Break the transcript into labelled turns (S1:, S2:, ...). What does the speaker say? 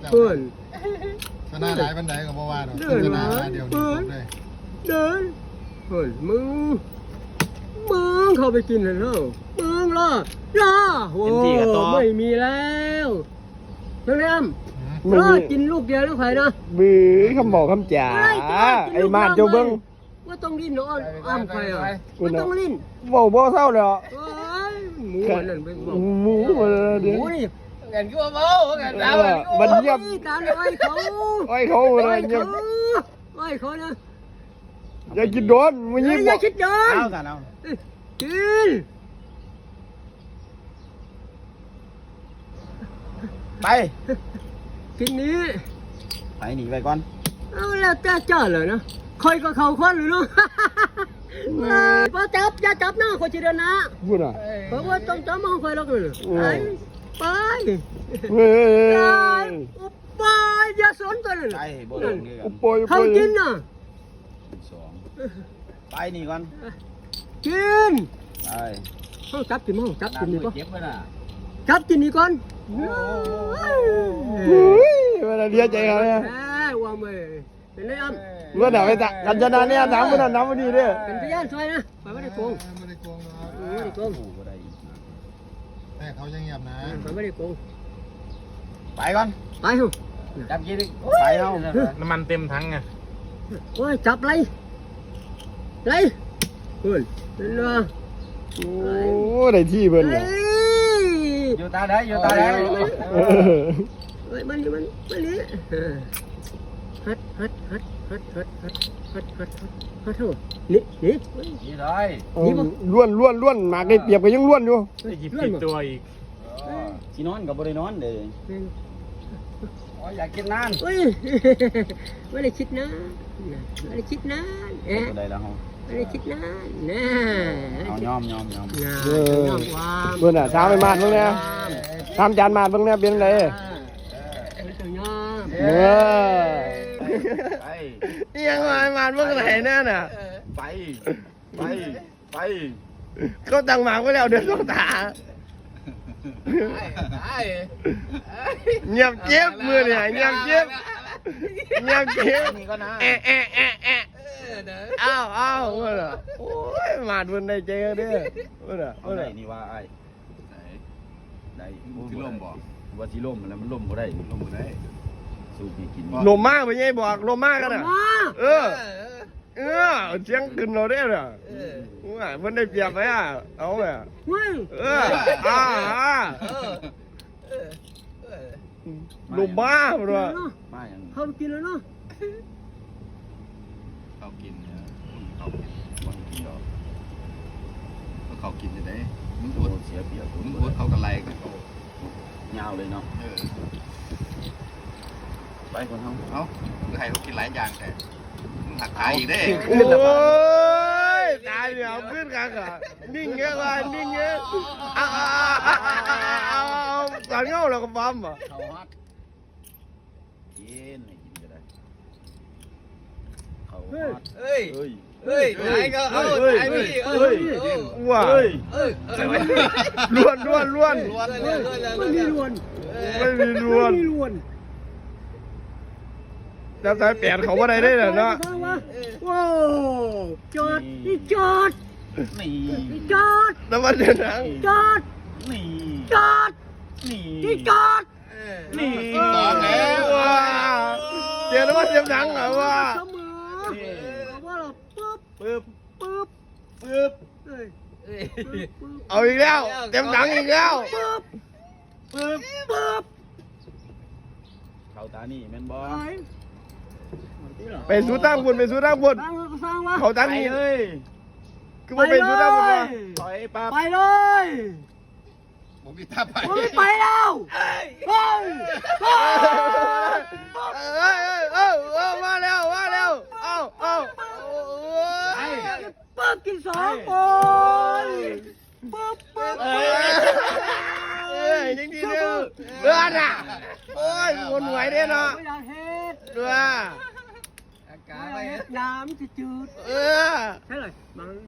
S1: เพื่อน
S2: ชนะหลายบันไดกับบ่ว่าหรอกชนะเดียวเลย
S1: เดินเพื่อนมึงเข้าไปกินเลยเนาะมึงล่ะโอ้ไม่มีแล้วน้องแอมกินลูกเดียวแล้วใครนะ
S3: บื้อคำบอกคำจ่าไอ้มาดเจ้าเบิ้ง
S1: ว่าต้องลิ้นเนาะอ้ำใครอ่ะว่าต้องลิ้น
S3: บ่เศร้าเลย
S1: หมูนั่นเป็น
S3: หมูเดี๋ยว
S1: นี่
S2: เงินก็บ่เงินดาว
S3: มันเงียบ
S1: การไอ้เขา
S3: เลยเงียบ
S1: ไอ้เขานะ
S3: อย่าคิดโดนมึงยิ้ม
S1: อย่าคิดโดน
S2: เอากันเอา
S1: กิน
S3: ไป
S1: กินนี้
S3: ไปหนีไปก่อน
S1: เอาแล้วแต่เจ้าเลยนะคอยก็เขาคนหรือเนาะพอจับอย่าจับนะคอยจะเดินนะ
S3: พูดอ่ะ
S1: เพราะว่าต้องจับมองคอยแล้วกันไปไปอย่าสนกันเลยเขากินน่ะ
S3: ไปนี่ก่อน
S1: กิน
S3: ไป
S1: เขาจับกินมั้งจับกินนี่ก่อนจับกินนี่ก่อน
S3: เวลาเลี้ยใจเขาเนี่ย
S1: ว่าไม่เป็นไรอ้ำ
S3: เมื่อไหร่ไปตักกันชนะเนี่ยน้ำมันน้ำมันดีด้วย
S1: เป็นพยานช่วยนะไม่ได้โกง
S2: ไม่ได้โกงนะ
S1: ไม่ได้โกง
S2: แต่เขายังเงียบนะ
S1: ไม่ได้โกง
S3: ไปก่อน
S1: ไปเหรอ
S3: จับกี่ดิไปเอา
S2: น้ำมันเต็มถังไง
S1: โอ้ยจับไรเฮ้ยเนาะ
S3: โอ้ได้ที่เบิ้ลเนี่ย
S2: อยู่ตาได้อยู่ตาได้
S1: เฮ้ยมันฮัดเถอะนี่
S2: ได้
S3: ล้วนหมากได้เปรียบก็ยังล้วนอยู่
S2: หยิบผิดตัวอีก
S3: สีนอนกับบริโนอนเลยอยากกินนาน
S1: ไม่ได้คิดนะไม่ได้คิดนะ
S3: ได้แล้ว
S1: ไม่ได้คิดนะน่ะ
S3: ยอม
S1: ความ
S3: เพื่อนอ่ะช้าไปมาดบ้างเนี่ยทำจานมาดบ้างเนี่ยเป็นไงยังไงมาดบ้างไหนเนี่ยน่ะไปเขาตั้งหมากไว้แล้วเดินต้องตาเงียบเจ็บมือเนี่ยเงียบเจ็บอ้าวเมื่อโอ้ยมาดวันใดเจอเด้อเมื่อนี่ว่าไอ้ได้ที่ล่มบอกว่าที่ล่มแล้วมันล่มบ่ได้สูบกินลมมากไปไงบอกลมมากกันอ่ะเสียงขึ้นเราได้เลยมันได้เปรียบไหมอ่ะเอาไหมลมบ้าเลย
S1: เขากินแล้วเนาะ
S2: เขากินเนี่ยเขากินจะได้มึงอดเสียเปรียบมึงอดเขากันไรกัน
S3: ยาวเลยเนาะไปคน
S2: เขาคือให้เขากินหลายอย่างแต่มึงหักขาอีกได้
S3: โอ้ยตายเดี๋ยวขึ้นกันอ่ะนิ่งเงี้ยเลยนิ่งเงี้ยเอาตอนเงาเราก็ปั๊มอ่ะกินก็ได้
S2: เฮ้ยไหนก็เอาไหนพี่
S3: ว้าล้วน
S1: ไม่มีล้วน
S3: จับสายเปลี่ยนเขาว่าได้เลยเนาะ
S1: ว้าวจอด
S3: แล้วมันจะนั่ง
S1: จอด
S2: บอกแล้ว
S3: เดี๋ยวแล้วมันจะนั่งเหรอวะเอาอีกแล้วเต็มถังอีกแล้วเขาตานี่แม่นบอไปสู้ตั้งบนเขาตานี่เลยคือมันเป็นสู้ตั้งบน
S1: ไปเลย
S2: ผมกีตาร์
S1: ไปแล้ว
S3: มาแล้ว
S1: ปึ๊บกิน2คน
S3: ยังดีเด้อน่ะโอ้ยวนไหวเด้เนาะ
S1: น้ำจืดใช่เลย